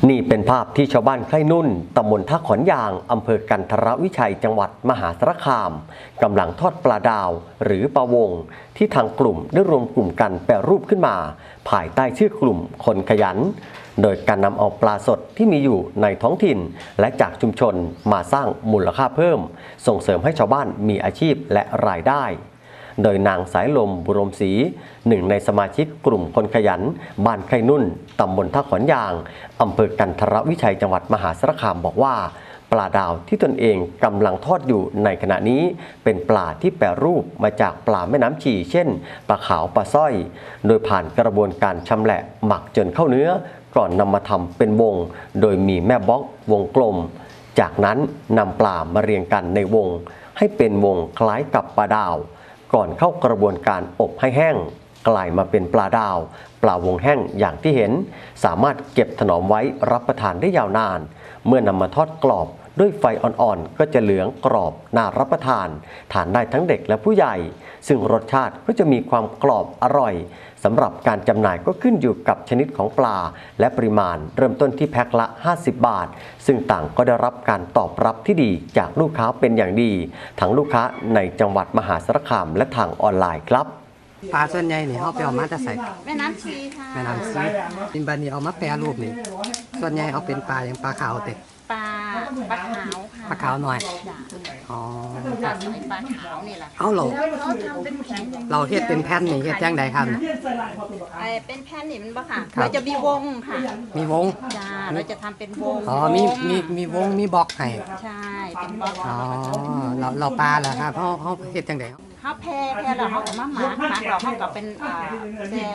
นี่เป็นภาพที่ชาวบ้านไคร่นุ่นตำบลท่าขอนยางอำเภอกันทรวิชัยจังหวัดมหาสารคามกำลังทอดปลาดาวหรือปลาวงที่ทางกลุ่มได้รวมกลุ่มกันแปรรูปขึ้นมาภายใต้ชื่อกลุ่มคนขยันโดยการนำเอาปลาสดที่มีอยู่ในท้องถิ่นและจากชุมชนมาสร้างมูลค่าเพิ่มส่งเสริมให้ชาวบ้านมีอาชีพและรายได้โดยนางสายลมบุรมศรีหนึ่งในสมาชิกกลุ่มคนขยันบ้านไคร่นุ่นตำบลท่าขอนยางอำเภอกันทรวิชัยจังหวัดมหาสารคามบอกว่าปลาดาวที่ตนเองกำลังทอดอยู่ในขณะนี้เป็นปลาที่แปรรูปมาจากปลาแม่น้ำชีเช่นปลาขาวปลาสร้อยโดยผ่านกระบวนการชำแหละหมักจนเข้าเนื้อก่อนนำมาทำเป็นวงโดยมีแม่บล็อกวงกลมจากนั้นนำปลามาเรียงกันในวงให้เป็นวงคล้ายกับปลาดาวก่อนเข้ากระบวนการอบให้แห้งกลายมาเป็นปลาดาวปลาวงแห้งอย่างที่เห็นสามารถเก็บถนอมไว้รับประทานได้ยาวนานเมื่อนำมาทอดกรอบด้วยไฟอ่อนๆก็จะเหลืองกรอบน่ารับประทานทานได้ทั้งเด็กและผู้ใหญ่ซึ่งรสชาติก็จะมีความกรอบอร่อยสำหรับการจำหน่ายก็ขึ้นอยู่กับชนิดของปลาและปริมาณเริ่มต้นที่แพ็คละ50 บาทซึ่งต่างก็ได้รับการตอบรับที่ดีจากลูกค้าเป็นอย่างดีทั้งลูกค้าในจังหวัดมหาสารคามและทางออนไลน์ครับปลาส่วนใหญ่นี่เขาไปเอามาจะใส่แม่น้ำชีค่ะแม่น้ำซีเป็นบันนี้เอามาแปรรูปนี่ส่วนใหญ่เอาเป็นปลาอย่างปลาขาวเต็ปลาขาวค่ะปลาขาวหน่อยอ๋อปลาขาวนี่แหละเอาเราเฮ็ดเป็นแผ่นนี่เฮ็ดจังใดครับเป็นแผ่นนี่มันบ่ค่ะเราจะมีวงค่ะมีวงจ้าเราจะทำเป็นวงอ๋อมีวงมีบล็อกให้ใช่เป็นบล็อกอ๋อเราปลาเหรอครับเขาเฮ็ดจังใดเขาแพร่แล้วเขาก็มาหมักเราเขาก็เป็นแช่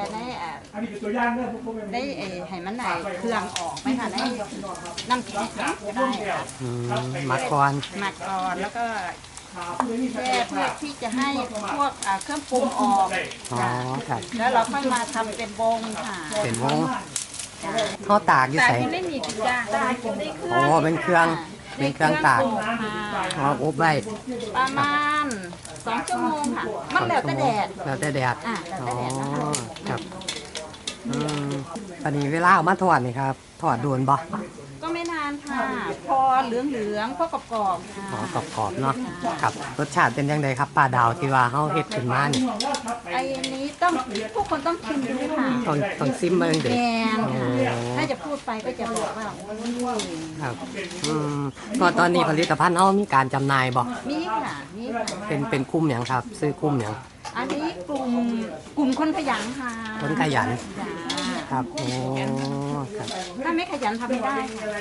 ได้ให้มันไหนเครื่องออกไหมค่ะได้น้ำแข็งก็ได้ค่ะหมักก่อนแล้วก็แช่เพื่อที่จะให้พวกเครื่องปรุงออกแล้วเราค่อยมาทำเป็นวงค่ะเป็นวงเขาตากอยู่ใส่ไม่มีจ้าตากอยู่ในเครื่องอ๋อเป็นเครื่องตากอบไว้ประมาณ2 ชั่วโมงค่ะมันแล้วแต่แดดอ๋อครับตอนนี้เวลาเอามาทอดนี่ครับทอดโดนบ่ก็ไม่นานค่ะพอเหลืองพอกรอบๆค่ะกรอบเนาะครับรสชาติเป็นยังไงครับปลาดาวที่ว่าเขาเฮ็ดขึ้นมานี่ไอ้นี้ต้องทุกคนต้องชิมดูค่ะต้องซิมมาเด็กถ้าจะพูดไปก็จะบอกว่าครับตอนนี้ผลิตภัณฑ์เขามีการจำหน่ายบ่มีค่ะเป็นกลุ่มอย่างครับซื้อกลุ่มอย่างอันนี้กลุ่มคนขยันค่ะคนขยันครับโอ้ครับถ้าไม่ขยันทำไม่ได้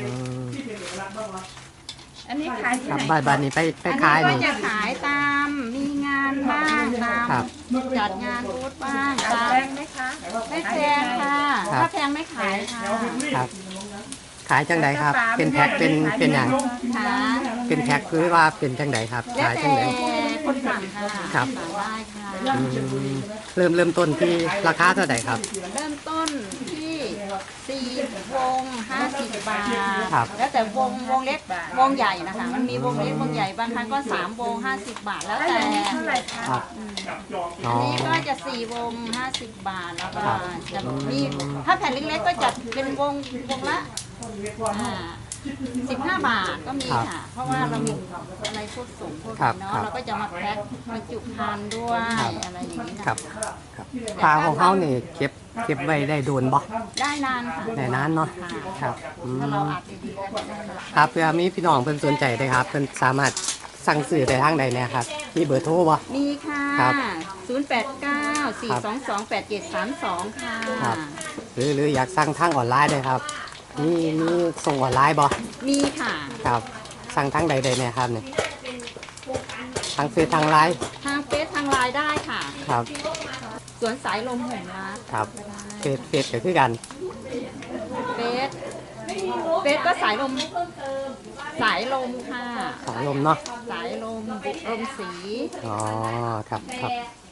อันนี้ขายที่ไหนบ้านนี้ไปขายนี่ก็จะขายตามมีงานบ้างตามจัดงานบูธบ้างตามไหมคะไม่แพงค่ะถ้าแพงไม่ขายค่ะครับขายจังไดครับเป็นแพ็คเป็นอย่างเป็นแพ็คคือว่าเป็นจังไดครับขายจังไดคนสั่งค่ะครับได้ค่ะเริ่มต้นที่ราคาเท่าไหร่ครับเริ่มต้นที่4 วง50 บาทแล้วแต่วงเล็กวงใหญ่นะคะมันมีวงเล็กวงใหญ่บางครั้งก็3 วง50 บาทแล้วแต่อันนี้ก็จะ4 วง50 บาทแล้วก็จะมีถ้าแผ่นเล็กๆก็จะเป็นวงละ15 บาทก็มีค่ะเพราะว่าเรามีอะไรพวกส่งพวกนี้เนาะเราก็จะมาแพ็คบรรจุภัณฑ์ด้วยอะไรอย่างนี้นะครับปลาของเขาเนี่ยเก็บไว้ได้โดนบ่ได้นานค่ะได้นานเนาะครับถ้าเราอัดดีๆก็ได้ครับเพื่อมีพี่น้องเพิ่นสนใจได้ครับเพิ่นสามารถสั่งซื้อได้ทางใดเนี่ยครับมีเบอร์โทรบ่มีค่ะ089-422-8732ค่ะหรืออยากสั่งทางออนไลน์ได้ครับมีส่งออนไลน์บ่มีค่ะครับสั่งทางใดเนี่ยครับเนี่ยทางเฟซทางไลน์ทางไลน์ได้ค่ะครับสวนสายลมแห่งรักครับเฟซก็คือกันเฟซก็สายลมค่ะสายลมเนาะสายลมสีอ๋อครับ